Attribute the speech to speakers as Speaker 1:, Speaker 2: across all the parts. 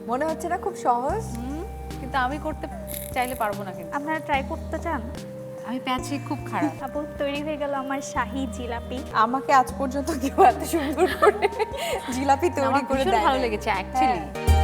Speaker 1: মনে হচ্ছে না খুব সহজ?
Speaker 2: কিন্তু আমি করতে চাইলে পারবো না কিন্তু।
Speaker 3: আপনারা ট্রাই করতে চান?
Speaker 2: আমি প্যাচে খুব খারাপ।
Speaker 3: আপু তৈরি হয়ে গেল আমার শাহী জিলাপি।
Speaker 1: আমাকে আজ পর্যন্ত কেউ এত সুন্দর করে জিলাপি তৈরি
Speaker 2: আমার
Speaker 1: করে
Speaker 2: ভীষণ
Speaker 1: দেয়
Speaker 2: ভালো
Speaker 1: নাই।
Speaker 2: লেগেছে অ্যাকচুয়ালি।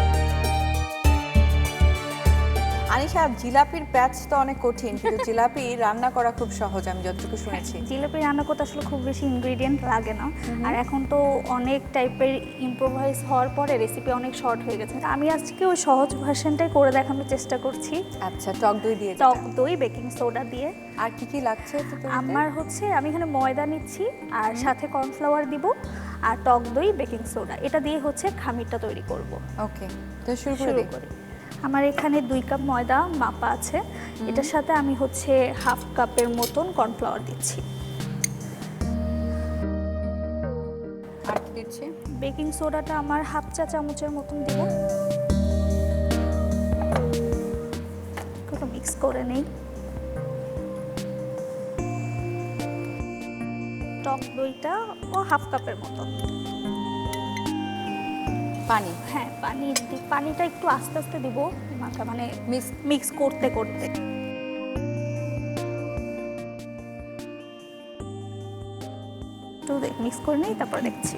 Speaker 1: আনিশা, জিলাপির প্যাচ তো অনেক কঠিন, কিন্তু জিলাপি রান্না করা খুব সহজ আমি যতটুকু শুনেছি।
Speaker 3: জিলাপি রান্না করতে আসলে খুব বেশি ইনগ্রেডিয়েন্ট লাগে না। আর এখন তো অনেক টাইপের ইম্প্রোভাইজ হওয়ার পরে রেসিপি অনেক শর্ট হয়ে গেছে। আমি আজকে ওই সহজ ভার্সনটাই করে দেখানোর চেষ্টা করছি।
Speaker 1: আচ্ছা, টক দই দিয়ে
Speaker 3: টক দই, বেকিং সোডা দিয়ে।
Speaker 1: আর কি কি লাগছে তো তৈরিতে?
Speaker 3: আমার হচ্ছে আমি এখানে ময়দা নিচ্ছি আর সাথে কর্নফ্লাওয়ার দিব আর টক দই, বেকিং সোডা, এটা দিয়ে হচ্ছে খামিরটা তৈরি করব।
Speaker 1: ওকে, তো শুরু করে
Speaker 3: শুরু
Speaker 1: দিই।
Speaker 3: করি। আমার এখানে 2 কাপ ময়দা মাপা আছে। এটার সাথে আমি হচ্ছে হাফ কাপের মতন কর্নফ্লাওয়ার দিচ্ছি।
Speaker 1: আর কি দিচ্ছি?
Speaker 3: বেকিং সোডাটা আমার হাফ চা চামচের মতন দিব। একটু মিক্স করে নেই। টক দইটা ও হাফ কাপের মতন।
Speaker 1: পানি।
Speaker 3: হ্যাঁ, পানিটা একটু আস্তে আস্তে দিব, মানে
Speaker 1: মিক্স।
Speaker 3: মিক্স করতে করতে। একটু মিক্স করে নেই, তারপর দেখছি।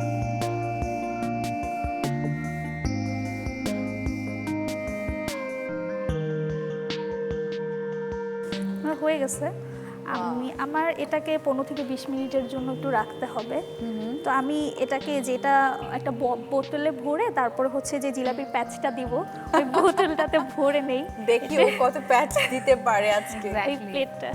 Speaker 3: আমার হয়ে গেছে। আমার এটাকে 15 থেকে 20 মিনিটের জন্য একটু রাখতে হবে। তো আমি এটাকে যেটা একটা বোতলে ভরে তারপরে হচ্ছে যে জিলাপির প্যাচটা দিব ওই বোতলটাতে ভরে নেই।
Speaker 1: দেখি ও কত প্যাচ দিতে পারে আজকে।
Speaker 3: এই প্লেটটা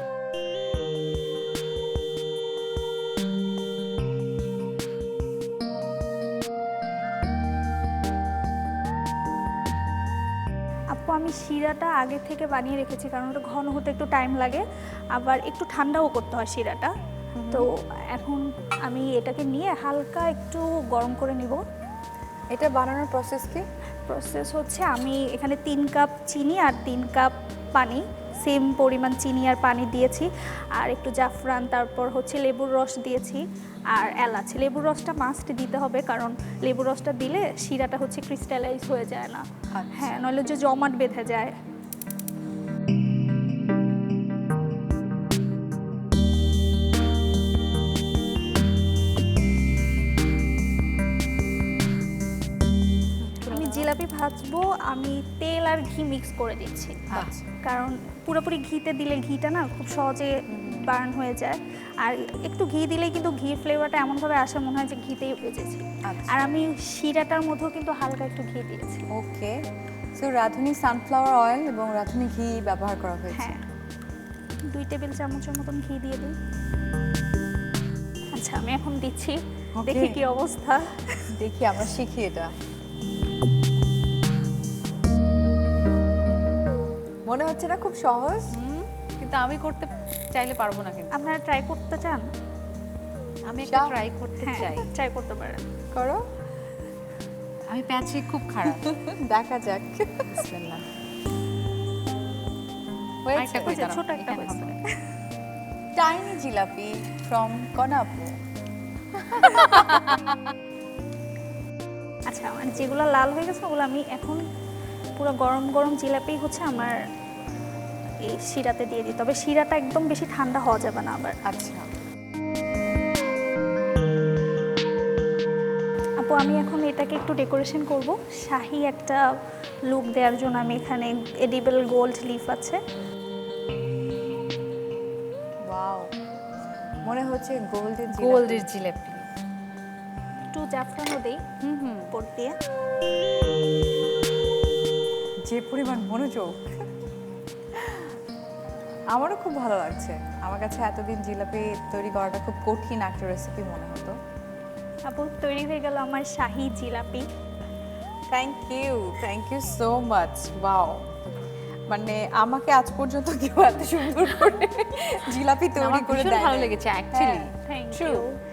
Speaker 3: আপু, আমি শিরাটা আগে থেকে বানিয়ে রেখেছি কারণ ওটা ঘন হতে একটু টাইম লাগে, আবার একটু ঠান্ডাও করতে হয় শিরাটা। তো এখন আমি এটাকে নিয়ে হালকা একটু গরম করে নিব।
Speaker 1: এটা বানানোর প্রসেস কি?
Speaker 3: প্রসেস হচ্ছে আমি এখানে 3 কাপ চিনি আর 3 কাপ পানি, সেম পরিমাণ চিনি আর পানি দিয়েছি, আর একটু জাফরান, তারপর হচ্ছে লেবুর রস দিয়েছি আর এলাচ। লেবুর রসটা মাস্ট দিতে হবে কারণ লেবুর রসটা দিলে শিরাটা হচ্ছে ক্রিস্টালাইজ হয়ে যায় না। হ্যাঁ, নইলে যে জমাট বেঁধে যায়। আমি জিলাপি ভাজবো, আমি তেল আর ঘি মিক্স করে দিচ্ছি।
Speaker 1: আচ্ছা।
Speaker 3: কারণ পুরোপুরি ঘিতে দিলে ঘিটা না খুব সহজে বার্ন হয়ে যায়, আর একটু ঘি দিলে কিন্তু ঘির ফ্লেভারটা এমনভাবে আসে মনে হয় যে ঘিতেই ভেজেছি।
Speaker 1: আচ্ছা।
Speaker 3: আর আমি শিরাটার মধ্যেও কিন্তু হালকা একটু ঘি দিয়েছি।
Speaker 1: Okay, so Radhuni sunflower oil এবং রাঁধুনি ঘি ব্যবহার করা হয়েছে।
Speaker 3: হ্যাঁ, 2 টেবিল চামচের মতন ঘি দিয়ে দিই। আচ্ছা, আমি এখন দিচ্ছি, দেখি কি অবস্থা।
Speaker 1: দেখি, আমরা শিখি এটা। মনে হচ্ছে না খুব সহজ?
Speaker 2: কিন্তু আমি করতে চাইলে পারবো না কিন্তু।
Speaker 3: আপনারা ট্রাই করতে চান?
Speaker 2: আমি একটা
Speaker 1: চাও?
Speaker 2: ট্রাই করতে
Speaker 3: হ্যাঁ,
Speaker 2: চাই।
Speaker 3: ট্রাই করতে পারেন।
Speaker 1: করো,
Speaker 2: আমি প্যাচে খুব খারাপ।
Speaker 1: দেখা যাক।
Speaker 2: বিসমিল্লাহ।
Speaker 1: হয়েছে?
Speaker 2: আরেকটা কই, দাঁড়াও,
Speaker 3: ছোট একটা
Speaker 2: এখানে
Speaker 3: হয়েছে।
Speaker 2: হবে।
Speaker 1: Tiny jalebi from Konapu.
Speaker 3: আচ্ছা, মানে যেগুলো লাল হয়ে গেছে ওগুলো আমি এখন পুরো গরম গরম জিলাপি হচ্ছে আমার এই শিরাতে দিয়ে দিই, তবে শিরাটা একদম বেশি ঠান্ডা হওয়া যাবে না আবার।
Speaker 1: আচ্ছা,
Speaker 3: আপু, আমি এখন এটাকে একটু ডেকোরেশন করব। শাহী একটা লুক দেওয়ার জন্য আমি এখানে এডিবল গোল্ড লিফ আছে।
Speaker 1: ওয়াও, মনে হচ্ছে গোল্ডেন
Speaker 2: গোল্ডের জিলাপি।
Speaker 3: একটু জাফরানও দেই উপর দিয়ে।
Speaker 1: যে পরিমাণ মনোযোগ, আমারও খুব ভালো লাগছে। আমার কাছে এতদিন জিলাপি তৈরি করাটা খুব কঠিন একটা রেসিপি মনে হতো।
Speaker 3: আপু, তৈরি হয়ে গেল আমার shahi jalebi.
Speaker 1: Thank you so much. Wow, মানে আমাকে আজ পর্যন্ত কেউ এত সুন্দর করে জিলাপি তৈরি
Speaker 2: আমার
Speaker 1: করে
Speaker 2: ভীষণ
Speaker 1: দেয়
Speaker 2: ভালো
Speaker 1: নাই।
Speaker 2: লেগেছে অ্যাকচুয়ালি।
Speaker 3: Thank
Speaker 1: True.
Speaker 3: ইউ।